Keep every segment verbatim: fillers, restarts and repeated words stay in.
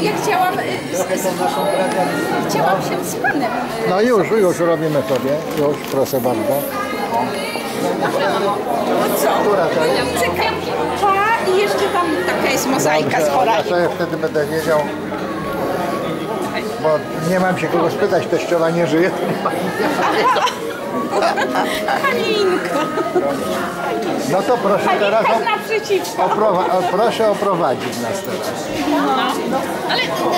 ja chciałam, chciałam się z panem. No już, już robimy sobie, już, proszę bardzo. No co? Która to jest? Czekam. Pa i jeszcze tam taka jest mozaika Dobrze, z ja chorami. sobie wtedy będę wiedział, bo nie mam się kogo spytać, teściowa nie żyje. Halinka. No to proszę teraz Halinka z naprzeciwko. oprowa o, proszę oprowadzić nas teraz. No, ale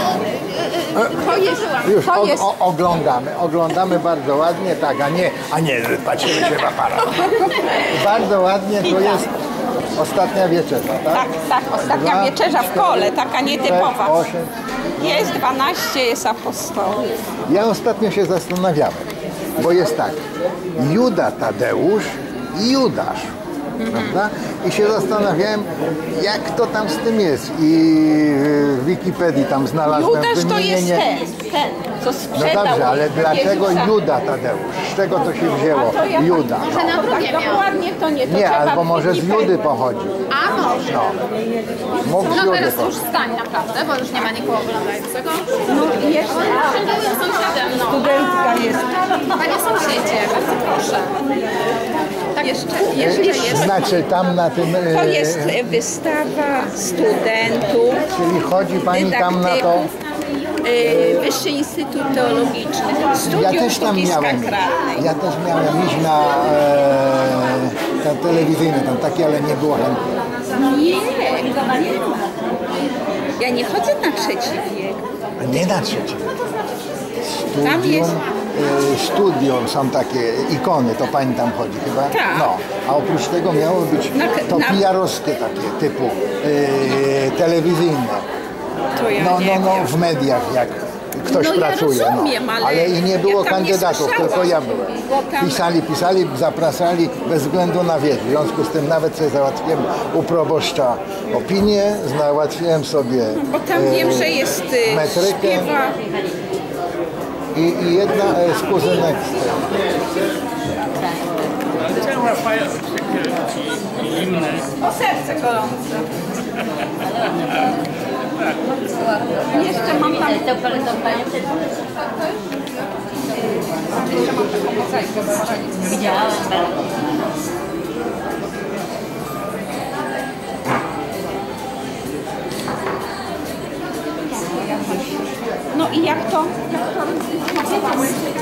to jest, Już to o, jest. o, oglądamy, oglądamy bardzo ładnie, tak, a nie, a nie patrzymy się w aparat. Bardzo ładnie, to jest ostatnia wieczerza, tak? Tak, tak, ostatnia Dwa, wieczerza w kole, taka nietypowa. sześć, osiem. Jest dwanaście, jest apostołów. Ja ostatnio się zastanawiałem, bo jest tak, Juda Tadeusz i Judasz, prawda? I się zastanawiałem, jak to tam z tym jest. I w Wikipedii tam znalazłem Judasz to jest wymienienie... ten, ten, co No sprzedał dobrze, ale dlaczego Jezusa. Juda Tadeusz? Z czego to się wzięło? To ja Juda. Tak, może na drugie tak dokładnie to nie. To Nie, trzeba albo w może z Wikipedii. Judy pochodzi. A może. No. Mógł z No Judy teraz już pochodzić. stań naprawdę, bo już nie ma nikogo oglądającego. No i jeszcze Były sąsiadem, no. studentka jest. Panie sąsiedzie, bardzo proszę. Tak jeszcze, jeszcze jest. Znaczy tam na tym... To e, jest wystawa studentów, Czyli chodzi pani tam na to... dydaktyków, y, Wyższy Instytut Teologiczny, Studium Ja też tam Sztuki miałem iść. Sakralnej. Ja też miałem iść na e, ten telewizyjny, tam taki, ale nie było chętnych. Nie, nie. Ja nie chodzę na trzeci wiek. A nie na trzeci. Tam Studium, jest- e, studium są takie ikony, to pani tam chodzi chyba? Tak. No, a oprócz tego miało być Na- to na- pijarowskie takie typu e, telewizyjne. To ja No, nie no, no, wiem. w mediach jak ktoś No ja pracuje. rozumiem, no. ale ale i nie ja było tam nie kandydatów, słyszałam, tylko ja byłem. bo tam- Pisali, pisali, zapraszali bez względu na wiek. W związku z tym nawet sobie załatwiłem u proboszcza opinię, załatwiłem sobie Bo tam e, wiem, że jest y, metrykę śpiewa. i, i jedna e, z kuzynek z tym. Dlaczego łapają zimne? O serce gorące. Jeszcze mam tam... Jeszcze mam taką mozaikę. Widziałam. No i jak to? Jak to?